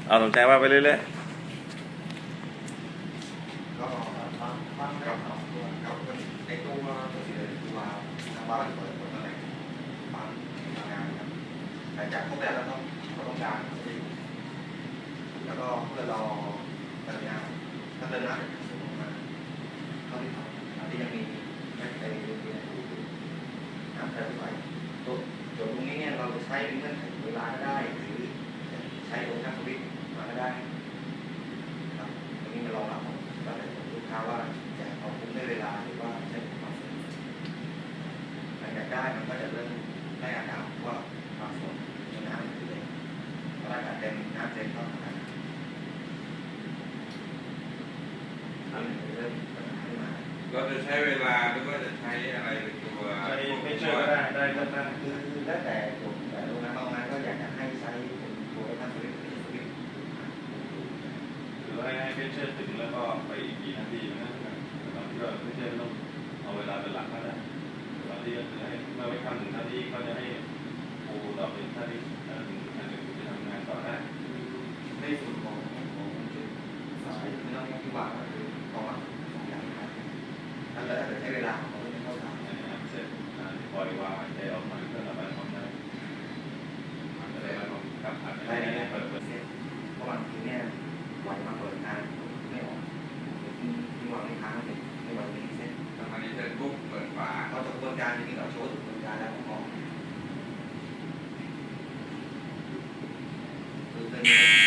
เอาสมใจว่าไปเรื่อยก็บ้านกับในตัวเสียตัวทางบ้านเปิดตั้งแต่บ้านทำงานครับหลังจากครบแล้วต้องการแล้วก็เพื่อรอสัญญาถ้าเดินหน้าสูงมาเท่าที่ทำที่ยังมีในเรื่องนี้น้ำเท่าไหร่ตัวตรงนี้เนี่ยเราใช้เงื่อนไขเวลาก็ได้หรือใช้โดยทางสวิตมาก็ได้ครับตรงนี้มารองรับก็เลยลูกค้าว่าจะเอาคุ้มได้เวลาหรือว่าใช้ความสดหลังจากได้มันก็จะเริ่มได้อาการว่าความสดในน้ำคือเลยเพราะอากาศเต็มน้ำเต็มก็ทำงานอันนี้เริ่มปัญหาขึ้นมาเราจะใช้เวลาหรือว่าจะใช้อะไรเป็นตัวๆไม่เชื่อก็ได้ก็ได้คือแล้วแต่กลุ่มแต่โรงงานบางงานก็อยากจะให้ใช้เป็นตัวไอ้ท่านสวิตเป็นสวิตหรือให้ไม่เชื่อถึงแล้วก็ไปอีกกี่นาทีนะตอนที่เราไม่เชื่อต้องเอาเวลาเป็นหลักก็ได้ตอนที่ก็คือให้เมื่อไปทำถึงท่านี้เขาจะให้ครูเราเป็นท่านี้ท่าหนึ่งจะทำงานต่อได้ในส่วนของจุดสายไม่ต้องที่ว่าคือของอย่างครับถ้าเราจะใช้เวลาของเราไม่เท่ากันเสร็จปล่อยวางใจออกมาก็ระบายความได้จะได้ลองกับอัดได้เปิดเสร็จเพราะบางทีเนี่ยวันมาเปิดงานไม่ออกที่วางในค้างเลยไม่วางในเซ็ตทำอันนี้เสร็จปุ๊บเปิดฝาพอจบกระบวนการจะมีเราโชว์กระบวนการแล้วออกคือเป็น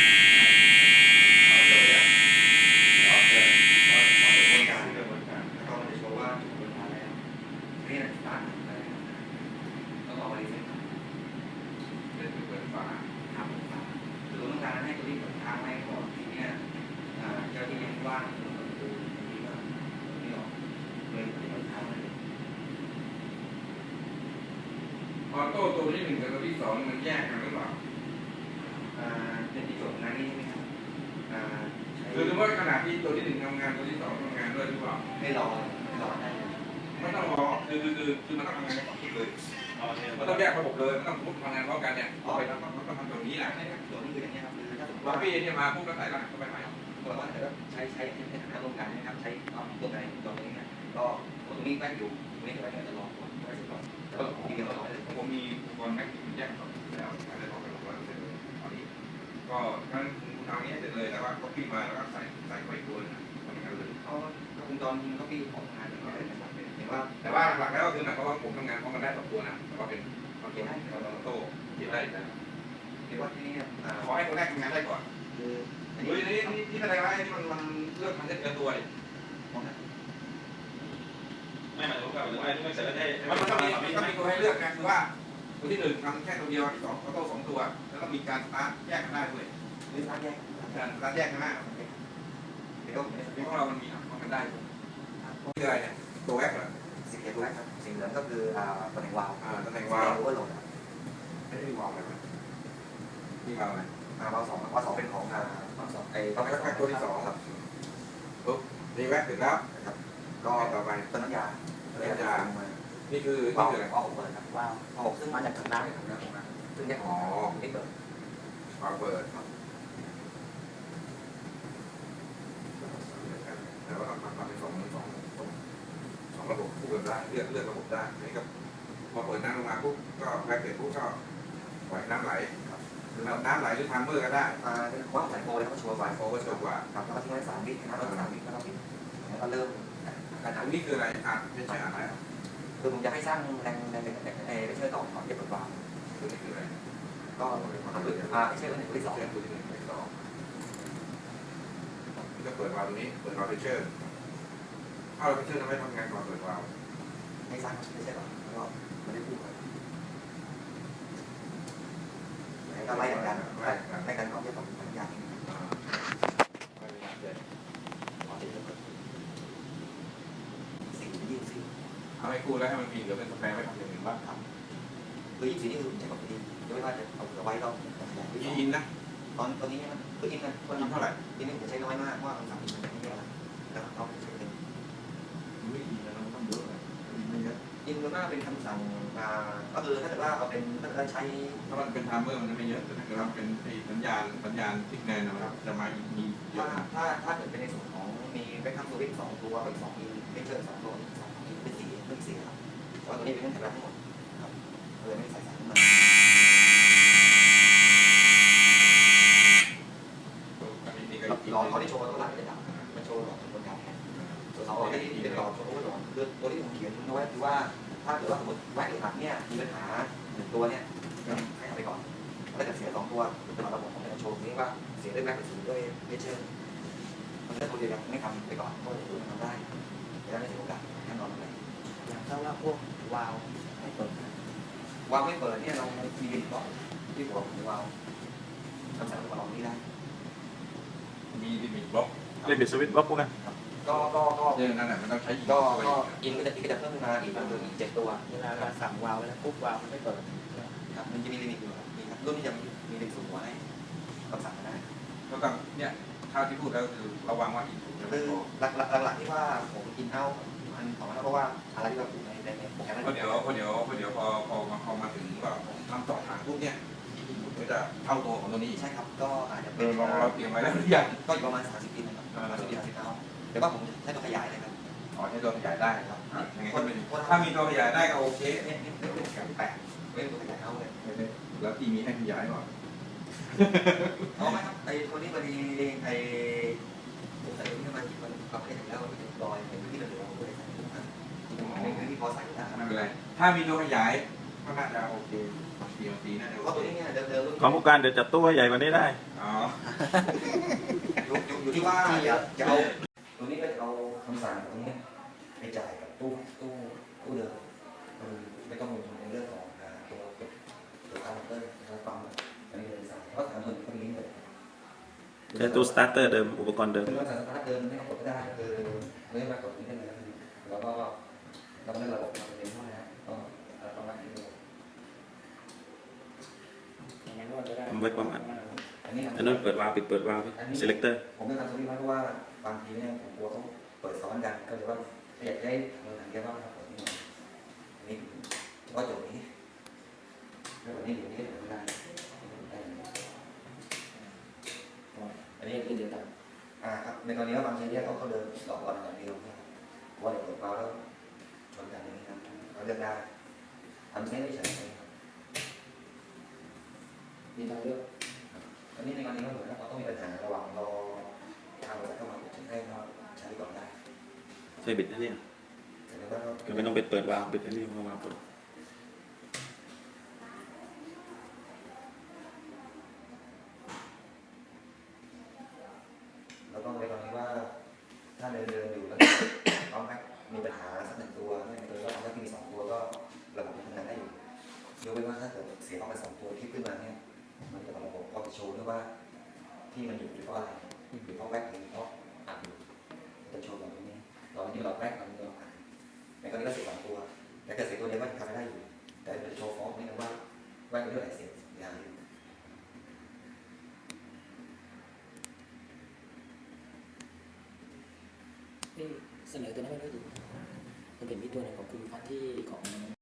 เอาเลยอ่ะออกเลยพอกระบวนการแล้วก็มันจะโชว์ว่ากระบวนการแล้วนี่แหละสตาร์ทเลยต้องเอาไปเซ็ตเสร็จเปิดฝาทำฝาคือต้องการให้ตัวนี้เปิดทางให้ก่อนทีนี้เจ้าที่ยังว่างคือทีว่าไม่ออกเลยเปิดทางเลยออโต้ตัวที่หนึ่งกับตัวที่สองมันแยกกันหรือเปล่าเป็นที่จบงานนี้ใช่ไหมครับคือสมมติขณะที่ตัวที่หนึ่งทำงานตัวที่สองทำงานด้วยหรือเปล่าไม่รอได้เลยไม่ต้องรอคือมันต้องทำงานกันก่อนเลยมันต้องแยกระบบเลยมันต้องทำงานพร้อมกันเนี่ยเอาไปต้องทำตรงนี้แหละตัวนี้คืออย่างนี้ครับคือถ้าสมมติว่าพี่เนี่ยมาปุ๊บก็ใส่รหัสเข้าไปใหม่ตัวว่าแต่ใช้ในฐานะโรงงานนะครับใช้ตัวไหนตัวนี้นะก็ตรงนี้แม่อยู่ตรงนี้จะไปจะรอก่อนไว้ก่อนก็ทีเดียวรอเลยผมมีอุปกรณ์แม็กซ์แยกก่อนแล้วได้บอกไป100%เลยตอนนี้ก็ทั้งทางนี้เสร็จเลยแต่ว่าก็พี่มาแล้วก็ใส่ไว้ตัวนึงทำงานเลยก็วงจรก็พี่ของงานอย่างนี้นะครับเห็นว่าแต่ว่าหลักแล้วก็คือหมายความว่าผมทำงานพร้อมกันได้2ตัวนะก็เป็นโอเคได้เราโต้เขียนได้นะเรียกว่าที่นี่ขอให้ตัวแรกทำงานได้ก่อนคือนี่แสดงว่าที่มันเลือกทำได้เกินตัวเลยไม่หมายถึงว่าไม่เสร็จแล้วได้มันมีตัวให้เลือกนะคือว่าตัวที่หนึ่งทำแค่ตัวเดียวที่สองโต้2ตัวแล้วก็มีการสตาร์ทแยกกันได้ด้วยหรือสตาร์ทแยกการสตาร์ทแยกกันได้เดี๋ยวที่พวกเรามันมีทำกันได้คืออะไรเนี่ยตัวแรกเหรอสิ่งตัวแรกครับสิ่งเหลืองก็คือตำแหน่งวาล์วตำแหน่งวาล์วโอเวอร์โหลดไม่ได้วาล์วอะไรนี่วาล์วอะไรวาล์ว2เป็นของวาล์ว2 ต้องแค่ตัวที่2ครับปุ๊บนี่แวะถึงแล้วครับก็ต่อไปต้นน้ำยานี่คืออะไรวาล์ว6เปิดครับวาล์ว6ซึ่งมาจากถังน้ำซึ่งแยกไม่เปิดวาล์วเปิดแต่ว่าทำเป็น2ระบบคู่กันได้เลือกระบบได้นี่ก็พอเปิดน้ำลงมาปุ๊บก็แพ็กเกจปุ๊บก็ปล่อยน้ำไหลน้ำไหลหรือทามเมอร์ก็ได้ว่าสายโฟเลยครับชัวร์สายโฟก็ชัวร์กว่าครับแล้วก็ทิ้งไว้3 วินะครับ3 วิก็ต้องปิดแล้วก็เริ่มการทำนี่คืออะไรไม่ใช่อะไรคือผมจะให้สร้างแรงไปช่วยต่อก่อนเก็บเปิดวาล์วคือนี่คืออะไรก็ไม่ใช่ตัวที่2 ตัวที่1ตัวที่2จะเปิดวาล์วตรงนี้เปิดวาล์วเพชเชอร์ถ้าเราเพชเชอร์ทำให้ทำงานก่อนเปิดวาล์วให้สร้างไม่ใช่หรอแล้วก็ไม่ได้พูดก็ไล่กันก่อนที่ผมสัญญาเอาให้คู่แล้วให้มันมีเหลือเป็นสแปร์ไว้ทำอย่างอื่นบ้างครับคือ24นี่คือใช้กับดีไม่ว่าจะเอาไว้เราอินนะตอนนี้มันคืออินนะอินเท่าไหร่อินนี่ผมใช้น้อยมากเพราะว่า3 อินมันไม่เยอะแล้วเราใช้เป็นไม่อินแล้วมันต้องเยอะเลยไม่เยอะจริงๆว่าเป็นคำสั่งก็คือถ้าเกิดว่าเราเป็นถ้าเกิดว่าใช้ถ้ามันเป็นไทม์เมอร์มันจะไม่เยอะแต่ถ้าเกิดว่าเป็นไอ้สัญญาณทิกแนนนะครับจะมาอีกมีเยอะนะถ้าเกิดเป็นในส่วนของมีแบ็คอัพสวิตช์2 ตัวเป็น2 อินเวกเตอร์2 ตัว2 อินเป็น4ครับแต่ว่าตัวนี้เป็นเงื่อนไขทั้งหมดครับเลยไม่ใส่สายขึ้นมาหลอดเขาที่โชว์ตัวหลักจะดับมันโชว์หลอดบนการแทนส่วน2 หลอดที่เป็นหลอดโชว์ตัวหลอดคือตัวที่ผมเขียนเอาไว้คือว่าถ้าเกิดว่าสมมติแหวนหรือหักเนี่ยมีปัญหา1 ตัวเนี่ยให้เอาไปก่อนถ้าเกิดเสีย2 ตัวเป็นระบบของการโชว์นี้ว่าเสียด้วยแบ็คหรือเสียด้วยเวเชอร์มันจะตัวเดียวกันไม่ทำไปก่อนก็จะทำได้จะได้ไม่เสียโอกาสแน่นอนเลยอย่างถ้าว่าพวกวาล์วไม่เปิดวาล์วไม่เปิดเนี่ยเรามีลิมิตบอกที่หัวของวาล์วคำสั่งของเรานี้ได้มีลิมิตบล็อกเล่นบิดสวิตช์บล็อกพวกนั้นก็เรื่องนั้นมันต้องใช้อีกก็ตัวก็อินก็จะเพิ่มมาอีก7 ตัวเวลาเราสั่งวาล์วไปแล้วปุ๊บวาล์วมันไม่เปิดครับมันจะมีลิมิตอยู่ครับมีครับรุ่นนี้จะมีลิมิตสูงกว่าให้คำสั่งได้ก็ต้องเนี่ยเท่าที่พูดแล้วคือระวังว่าอีกถูกจะคืไม่อพอหลักๆที่ว่าผมกินเอามันของมันเพราะว่าอะไรที่เราปลูกในโปรแกรมนั้นเพราะเดี๋ยวพอมาถึงว่าผมทำต่อทางปุ๊บเนี่ยมันก็จะเท่าตัวของตัวนี้ใช่ครับก็อาจจะเป็เราเตรียมไว้แล้วหรือยังก็อยู่ประมาณ30 ปีนะครับ30 เอาเดี๋ยวว่าผมใช้ตัวขยายเลยครับอ๋อใช้ตัวขยายได้ครับยังไงก็เป็นถ้ามีตัวขยายได้ก็โอเคเนี่ยเป็นแกน8เป็นตัวขยายเอาเลยแล้วที่มีให้ขยายก่อนเอาไหมครับไอ้ตัวนี้พอดีไอ้ผมใส่ที่มันปรับให้ถึงแล้วรอยเป็นที่เหลือๆด้วยนี่คือที่พอใส่ได้ไม่เป็นไรถ้ามีตัวขยายก็น่าจะโอเคตีน่าจะเพราะตัวนี้เนี่ยเดิมๆของผู้การเดี๋ยวจัดตู้ให้ใหญ่กว่านี้ได้อ๋ออยู่ที่ว่าจะเอาตัวนี้ก็จะเอาคำสั่งตรงนี้ไปจ่ายกับตู้เดิมไม่ต้องลงทุนในเรื่องของตัวคาร์บอนตัวปั๊มอันนี้เลยสั่งเพราะถามคนคนนี้เลยใช้ตู้สตาร์เตอร์เดิมอุปกรณ์เดิมคือเราสั่งสตาร์ทเดิมไม่ต้องกดก็ได้คือไม่ต้องมากดนี้ได้เลยแล้วก็เราเล่นระบบเราเองเท่านั้นก็ประมาณนี้อย่างนั้นก็จะได้ทำไว้ประมาณอันนี้อันนั้นเปิดวาล์วปิดเปิดวาล์ว selector ผมไม่ทำตรงนี้เพราะว่าบางทีเนี่ยผมกลัวต้องเปิดซ้อนกันก็เลยว่าอยากได้เงินหนังเยอะมากครับนี่อันนี้เฉพาะจุดนี้แล้ววันนี้เดี๋ยวนี้ก็ไม่ได้อันนี้คือเดียวกันครับในกรณีว่าบางทีเนี่ยเขาเดินหลอกก่อนอย่างเดียวว่าเดี๋ยวเปิดมาแล้วชนกันอย่างนี้ครับเขาเลือกได้ทำใช้ไม่เฉยครับมีทางเลือกอันนี้ในกรณีก็เหมือนเราต้องมีปัญหาระหว่างรอทางเราเข้ามาถึงให้เราใช้ก่อนได้ใช่บิดนะเนี่ยแต่ว่าก็ไม่ต้องไปเปิดวาล์วปิดอันนี้วาล์วเปิดแล้วก็ในกรณีว่าถ้าเดินอยู่แล้วเอาแม็กมีปัญหาสัก1 ตัวไม่เกินว่าเอาแม็กมี2 ตัวก็ระบบทำงานได้อยู่ยกเว้นว่าถ้าเกิดเสียออกไป2 ตัวที่ขึ้นมาเนี่ยมันจะระบบก็จะโชว์ด้วยว่าที่มันอยู่เพราะอะไรอยู่เพราะแม็กหรือเพราะอัดอยู่จะโชว์แบบนี้เราไม่ได้หลอดแม็กมันมีหลอดอัดในกรณีก็เสีย2 ตัวแต่เกิดเสียตัวเดียวก็ทำไม่ได้อยู่แต่จะโชว์ฟ้องนี่นะว่าแม็กเป็นเรื่องไหนเสียอย่างนี้ที่เสนอตัวนั้นไม่ได้ดูมันเป็นมีตัวหนึ่งของคุณพัฒน์ที่ของ